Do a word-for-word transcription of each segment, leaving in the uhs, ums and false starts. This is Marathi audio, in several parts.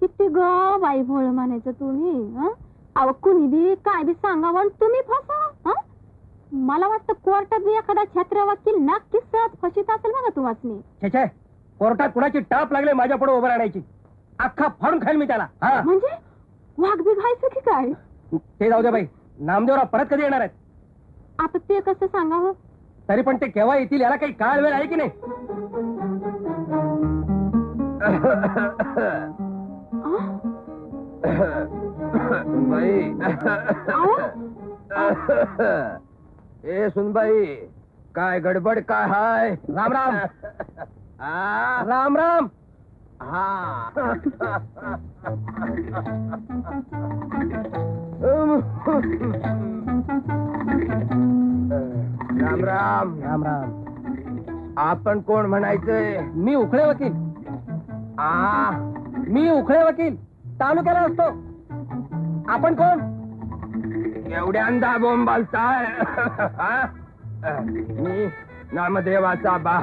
किती ग बाई भोळ म्हणायचं तुम्ही. अहो कुणी बी काय बी सांगावं आणि तुम्ही फसा. मला वाटतं कोर्टात बी एखादा छत्र वकील नक्कीच सहज फशीत असेल बघा तुम्हाला. छे छे, कोर्टात कुणाची टाप लागले माझ्या पुढे उभं राहण्याची. अख्खा फाडून खाईल मी त्याला. म्हणजे वाघ बी घायचं की काय? ते जाऊ दे बाई, नामदेवराव परत कधी येणार आहेत? आता ते कसं सांगावं? तरी पण ते केव्हा येतील याला काही काळ वेळ आहे की नाही? सुनबाई, ए सुनबाई, काय गडबड काय हाय? राम राम. आ, राम राम. हा राम राम. राम राम. आपण कोण म्हणायचंय? मी उखळे वकील. आ मी उखळे वकील, तालुक्याला असतो. आपण कोण? एवढ्यांदा बोंबालताय? मी नामदेवाचा बा.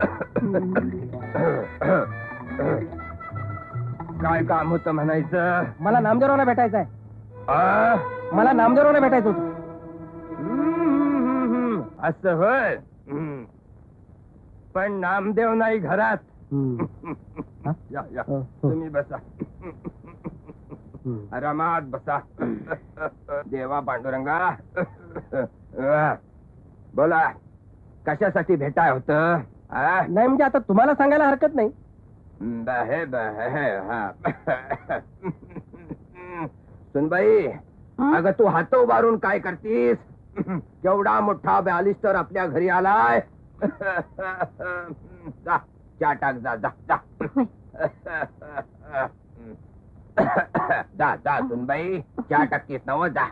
काय काम होतं म्हणायचं? मला नामदेवरावला भेटायचं आहे. मला नामदेवरावला भेटायचं होतं. असं होय. पण नामदेव नाही घरात. या या तुम्ही बसा. आरामात बसा. देवा पांडुरंगा. बोला, कशासाठी भेटाय होत? नाही म्हणजे आता तुम्हाला सांगायला हरकत नाही. बहे बहे हा. सुनबाई, अगं तू हात उभारून काय करतीस? केवढा मोठा बॅलिस्टर आपल्या घरी आलाय. जा चहा टाक. जा जा जा जा जा सुनबाई, चहा टाकतीस नव. जा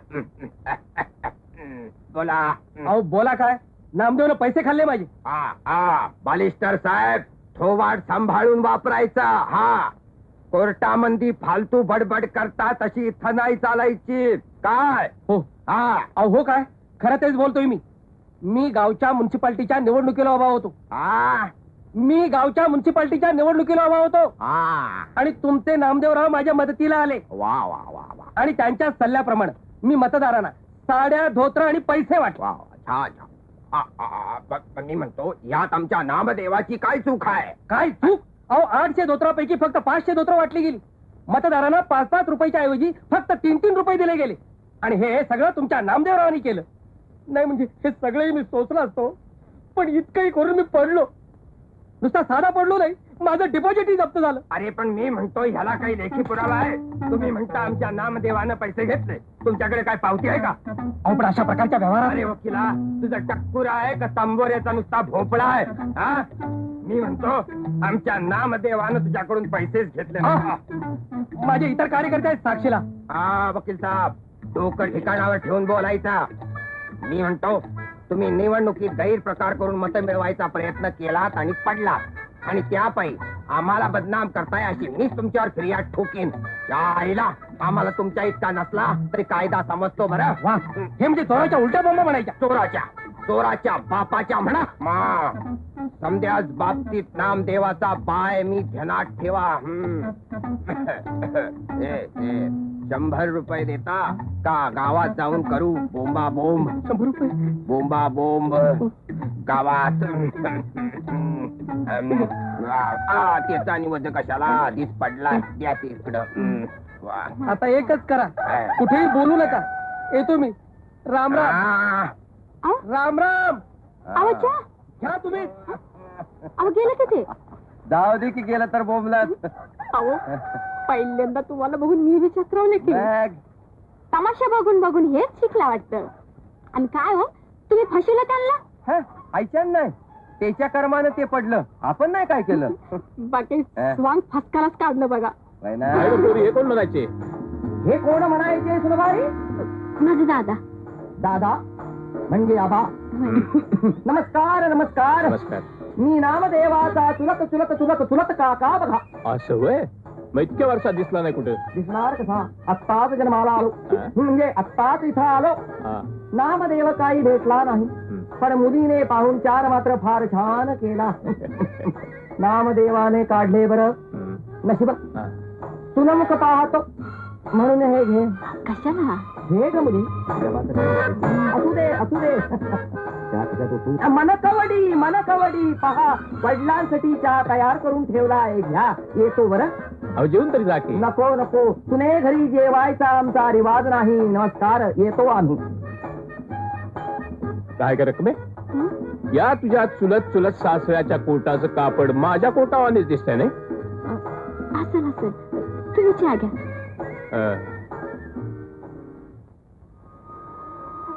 बोला. अहो बोला काय? नामदेवनं पैसे खाल्ले माझे. हा हा बालिस्टर साहेब, थोवाड सांभाळून वापरायचा. हा, कोर्टामंदी फालतू बडबड करता तशी इथं नाही चालायची. काय? हो. हा. अहो हो काय, खरं तेच बोलतोय मी. मी गावच्या म्युन्सिपाल्टीच्या निवडणुकीला उभा होतो. हा मी गावच्या म्युन्सिपाल्टीच्या निवडणुकीला उभा होतो. हा. आणि तुमचे नामदेवराव माझ्या मदतीला आले. वा वा वा वा. आणि त्यांच्या सल्ल्याप्रमाणे मी मतदारांना साड्या, धोत्र आणि पैसे वाटले. वा वा. छान छान. आ, आ, आ, ब- ब- मी म्हणतो, यात आमच्या नामदेवाची काय चूक आहे? काय चूक? अहो आठशे धोत्रापैकी फक्त पाचशे धोत्र वाटली गेली. मतदारांना पाच पाच रुपयाच्या ऐवजी फक्त तीन तीन रुपये दिले गेले. आणि हे सगळं तुमच्या नामदेवरावांनी केलं. नाही म्हणजे हे सगळे मी सोचलं असतो, पण इतकंही करून मी पडलो. नुसता साधा पडलो नाही, माझं डिपॉझिटही जप्त झालं. अरे पण मी म्हणतो, ह्याला काही लेखी पुरावा आहे? तुम्ही म्हणता आमच्या नामदेवानं पैसे घेतले, तुमच्याकडे काय पावती आहे का? अहो पण अशा प्रकारच्या व्यवहारात अरे वकिला, तुझा टक्कुरा आहे का तांबोऱ्याचा नुसता भोपळा आहे? हा, मी म्हणतो आमच्या नामदेवानं तुझ्याकडून पैसेच घेतले. हा. माझे इतर कार्यकर्ते आहेत साक्षीला. हा वकील साहेब, डोकं ठिकाणावर ठेवून बोलायचा. मी म्हणतो, तुम्ही निवडणुकीत गैरप्रकार करून मतं मिळवायचा प्रयत्न केलात आणि पडलात, आणि त्यापायी आम्हाला बदनाम करताय अशी मीच तुमच्यावर फिर्याद ठोकीन. या आईला आम्हाला तुमच्या इतका नसला तरी कायदा समजतो बरं. वा, हे म्हणजे चोराच्या उलट्या बोंबा म्हणायच्या. चोराच्या चोराच्या बापाच्या म्हणा. मा समद्याच बाबतीत नामदेवाचा बाय मी ध्यानात ठेवा. हम्म. ए, ए, शंभर रुपये देता का गावात जाऊन करू बोंबा बोंब? शंभर रुपये बोंबा बोंब गावात. आ, त्याचा निवड कशाला दिस पडला द्या तिकडं. आता एकच करा, कुठेही बोलू नका. येतो मी. राम राम. आ, राम राम. अहो चहा. घ्या तुम्ही. अहो गेलं का ते? जाऊ दे की गेलं तर बोंबलात. अहो पहिल्यांदा तुम्हाला बघून मी बी चक्रवले की. तमाशा बघून बघून हेच शिकला वाटतं. आणि काय हो, तुम्ही फशीला त्यांना? ऐच्यान नाही, त्याच्या कर्मानं ते पडलं, आपण नाही काय केलं. बाकी स्वांग फसकालाच काढलं बघा. हे कोण म्हणायचे? हे कोण म्हणायचे सुनबाई? माझे दादा. दादा म्हणजे आबा. नमस्कार नमस्कार. नमस्कार. मी नामदेवाचा चुलत चुलत चुलत चुलत काका बघा. असं होय? मग इतक्या वर्षात दिसला नाही कुठे? दिसणार कसा? आत्ताच जन्माला आलो, म्हणजे आत्ताच इथं आलो. नामदेव काही भेटला नाही, पण मुलीने पाहुणचार मात्र फार छान केला. नामदेवाने काढले बरं नशीब. सुनमुख पाहतो म्हणून हे घे कशाला घे ग मुली असू दे असू दे मन कवडी मन कवडी पहा वडिलांसाठी चहा तयार करून ठेवला आहे घ्या येतो बरं अहो जेवून तरी जा की. नको नको तुने घरी जेवायचा आमचा रिवाज नाही नमस्कार येतो आम्ही काय कर रकमे हं? या तुझ्या चुलत चुलत सासऱ्याच्या कोटाचं कापड माझ्या कोटावानेच दिसतंय नाही असेल असेल तुम्ही चहा घ्या अं,